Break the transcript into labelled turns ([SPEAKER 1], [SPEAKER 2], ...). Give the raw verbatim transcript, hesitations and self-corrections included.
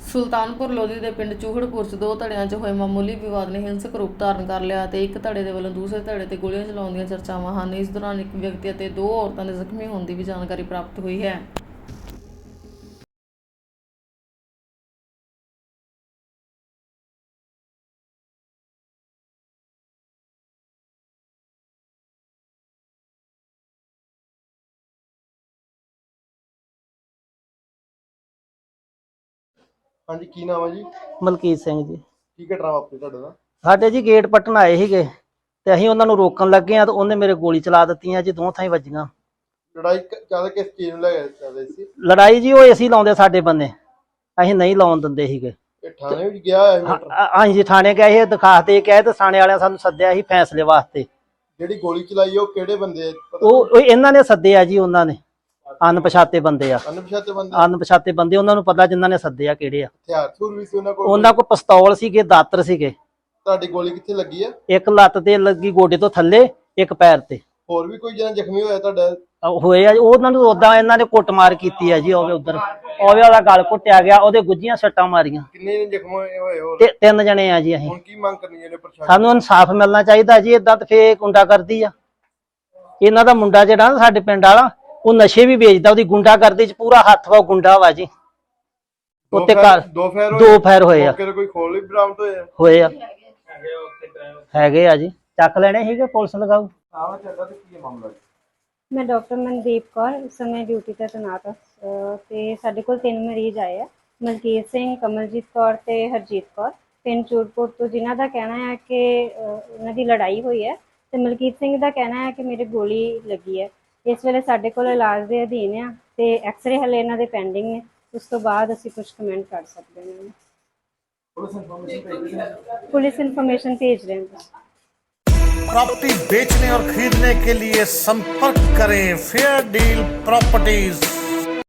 [SPEAKER 1] ਸੁਲਤਾਨਪੁਰ ਲੋਧੀ ਦੇ ਪਿੰਡ ਚੂਹੜਪੁਰ 'ਚ ਦੋ ਧੜਿਆਂ 'ਚ ਹੋਏ ਮਾਮੂਲੀ ਵਿਵਾਦ ਨੇ ਹਿੰਸਕ ਰੂਪ ਧਾਰਨ ਕਰ ਲਿਆ ਅਤੇ ਇੱਕ ਧੜੇ ਦੇ ਵੱਲੋਂ ਦੂਸਰੇ ਧੜੇ ਤੇ ਗੋਲੀਆਂ ਚਲਾਉਣ ਦੀਆਂ ਚਰਚਾਵਾਂ ਹਨ। ਇਸ ਦੌਰਾਨ ਇੱਕ ਵਿਅਕਤੀ ਅਤੇ ਦੋ ਔਰਤਾਂ ਦੇ ਜ਼ਖਮੀ ਹੋਣ ਦੀ ਵੀ ਜਾਣਕਾਰੀ ਪ੍ਰਾਪਤ ਹੋਈ ਹੈ।
[SPEAKER 2] हाँ जी, की नाम है जी?
[SPEAKER 3] ਮਲਕੀਤ ਸਿੰਘ ਜੀ।
[SPEAKER 2] की घटना वापरी ਤੁਹਾਡੇ ਨਾਲ?
[SPEAKER 3] ਸਾਡੇ ਜੀ ਗੇਟ ਪੱਟਣ ਆਏ ਸੀਗੇ ਤੇ ਅਸੀਂ ਉਹਨਾਂ ਨੂੰ ਰੋਕਣ ਲੱਗੇ ਆ ਤੇ ਉਹਨੇ ਮੇਰੇ ਗੋਲੀ ਚਲਾ ਦਿੱਤੀਆਂ ਜੀ, ਦੋ ਥਾਈਂ ਵੱਜੀਆਂ।
[SPEAKER 2] ਲੜਾਈ ਜ਼ਿਆਦਾ ਕਿਸ ਚੀਜ਼ ਨੂੰ ਲੈ ਕੇ ਚੱਲਦੇ ਸੀ?
[SPEAKER 3] ਲੜਾਈ ਜੀ ਉਹ ਅਸੀਂ ਲਾਉਂਦੇ ਸਾਡੇ ਬੰਦੇ, ਅਸੀਂ ਨਹੀਂ ਲਾਉਣ ਦਿੰਦੇ ਸੀਗੇ।
[SPEAKER 2] ਇਹ ਥਾਣੇ ਵਿੱਚ ਗਿਆ ਹੋਇਆ ਸੀ ਮੈਟਰ?
[SPEAKER 3] ਅਸੀਂ ਜੀ ਥਾਣੇ ਗਏ ਸੀ, ਦਿਖਾ ਦੇ ਕੇ ਆਏ ਤੇ ਥਾਣੇ ਵਾਲਿਆਂ ਸਾਨੂੰ ਸੱਦਿਆ ਸੀ ਫੈਸਲੇ ਵਾਸਤੇ।
[SPEAKER 2] ਜਿਹੜੀ ਗੋਲੀ ਚਲਾਈ ਉਹ ਕਿਹੜੇ ਬੰਦੇ ਆ?
[SPEAKER 3] ਉਹ ਉਹ ਇਹਨਾਂ ਨੇ ਸੱਦਿਆ ਜੀ, ਉਹਨਾਂ ਨੇ ਅਣਪਛਾਤੇ ਬੰਦੇ ਆ,
[SPEAKER 2] ਅਣਪਛਾਤੇ ਬੰਦੇ?
[SPEAKER 3] ਅਣਪਛਾਤੇ ਬੰਦੇ, ਉਹਨਾਂ ਨੂੰ ਪਤਾ ਜਿਨ੍ਹਾਂ ਨੇ ਸੱਦਿਆ ਕਿਹੜੇ ਆ।
[SPEAKER 2] ਹਥਿਆਰ ਥੂਰ ਵੀ ਸੀ ਉਹਨਾਂ ਕੋਲ?
[SPEAKER 3] ਉਹਨਾਂ ਕੋਲ ਪਿਸਤੌਲ ਸੀਗੇ, ਦਾਤਰ ਸੀਗੇ।
[SPEAKER 2] ਤੁਹਾਡੀ ਗੋਲੀ ਕਿੱਥੇ ਲੱਗੀ ਆ?
[SPEAKER 3] ਇੱਕ ਲੱਤ ਤੇ ਲੱਗੀ, ਗੋਡੇ ਤੋਂ ਥੱਲੇ, ਇੱਕ ਪੈਰ ਤੇ।
[SPEAKER 2] ਹੋਰ ਵੀ ਕੋਈ ਜਣਾ ਜ਼ਖਮੀ ਹੋਇਆ ਤੁਹਾਡਾ?
[SPEAKER 3] ਹੋਏ ਆ, ਉਹਨਾਂ ਨੂੰ ਉਦਾਂ ਇਹਨਾਂ ਨੇ ਕੁੱਟਮਾਰ ਕੀਤੀ ਆ ਜੀ। ਉਹਦੇ ਉਧਰ ਉਹਦੇ ਉਹਦਾ ਗਲ ਘੁੱਟਿਆ ਗਿਆ, ਉਹਦੇ ਗੁੱਜੀਆਂ ਸੱਟਾਂ ਮਾਰੀਆਂ।
[SPEAKER 2] ਕਿੰਨੇ ਨੇ ਜ਼ਖਮ ਹੋਏ ਹੋਰ?
[SPEAKER 3] ਤੇ ਤਿੰਨ ਜਣੇ ਆ ਜੀ। ਅਸੀਂ
[SPEAKER 2] ਹੁਣ ਕੀ ਮੰਗ ਕਰਨੀ ਹੈ ਪ੍ਰਸ਼ਾਸਨ?
[SPEAKER 3] ਸਾਨੂੰ ਇਨਸਾਫ ਮਿਲਣਾ ਚਾਹੀਦਾ ਜੀ। ਏਦਾਂ ਤੇ ਫੇਰ ਗੁੰਡਾ ਕਰਦੀ ਆ। ਇਹਨਾਂ ਦਾ ਮੁੰਡਾ ਜਿਹੜਾ ਨਾ ਸਾਡੇ ਪਿੰਡ ਵਾਲਾ, ਉਹ ਨਸ਼ੇ ਵੀ ਵੇਚਦਾ, ਉਹਦੀ ਗੁੰਡਾ ਕਰਦੀ ਚ ਪੂਰਾ ਹੱਥ ਵਾ, ਗੁੰਡਾ ਵਾ ਜੀ। ਉੱਤੇ ਘਰ
[SPEAKER 2] ਦੋ ਫੈਰ
[SPEAKER 3] ਦੋ ਫੈਰ ਹੋਏ ਆ।
[SPEAKER 2] ਕੋਈ ਖੋਲ ਵੀ ਬਰਾਮਦ ਹੋਇਆ?
[SPEAKER 3] ਹੋਏ ਆ, ਹੈਗੇ ਆ ਜੀ। ਚੱਕ ਲੈਣੇ ਸੀਗੇ, ਪੁਲਿਸ ਲਗਾਓ।
[SPEAKER 2] ਆਵਾ ਚੱਲਦਾ ਤੇ ਕੀ ਮਾਮਲਾ?
[SPEAKER 4] ਮੈਂ ਡਾਕਟਰ ਮਨਦੀਪ ਕੌਰ ਇਸ ਸਮੇਂ ਡਿਊਟੀ ਤੇ ਤੈਨਾਤ ਹਾਂ ਤੇ ਸਾਡੇ ਕੋਲ ਤਿੰਨ ਮਰੀਜ਼ ਆਏ ਆ, ਮਲਕੀਤ ਸਿੰਘ, ਕਮਲਜੀਤ ਕੌਰ ਤੇ ਹਰਜੀਤ ਕੌਰ, ਪਿੰਡ ਚੂੜਪੁਰ ਤੋਂ, ਜਿਨ੍ਹਾਂ ਦਾ ਕਹਿਣਾ ਹੈ ਕਿ ਉਹਨਾਂ ਦੀ ਲੜਾਈ ਹੋਈ ਹੈ ਤੇ ਮਲਕੀਤ ਸਿੰਘ ਦਾ ਕਹਿਣਾ ਹੈ ਕਿ ਮੇਰੇ ਗੋਲੀ ਲੱਗੀ ਹੈ। ਇਸ ਵੇਲੇ ਸਾਡੇ ਕੋਲ ਇਲਾਜ ਦੇ ਅਧੀਨ ਆ ਤੇ ਐਕਸਰੇ ਹਲੇ ਇਹਨਾਂ ਦੇ ਪੈਂਡਿੰਗ ਨੇ, ਉਸ ਤੋਂ ਬਾਅਦ ਅਸੀਂ ਕੁਝ ਕਮੈਂਟ ਕਰ ਸਕਦੇ ਹਾਂ। पुलिस इन्फॉर्मेशन भेज रहे हैं।
[SPEAKER 5] प्रॉपर्टी बेचने और खरीदने के लिए संपर्क करें फेयर डील प्रॉपर्टीज।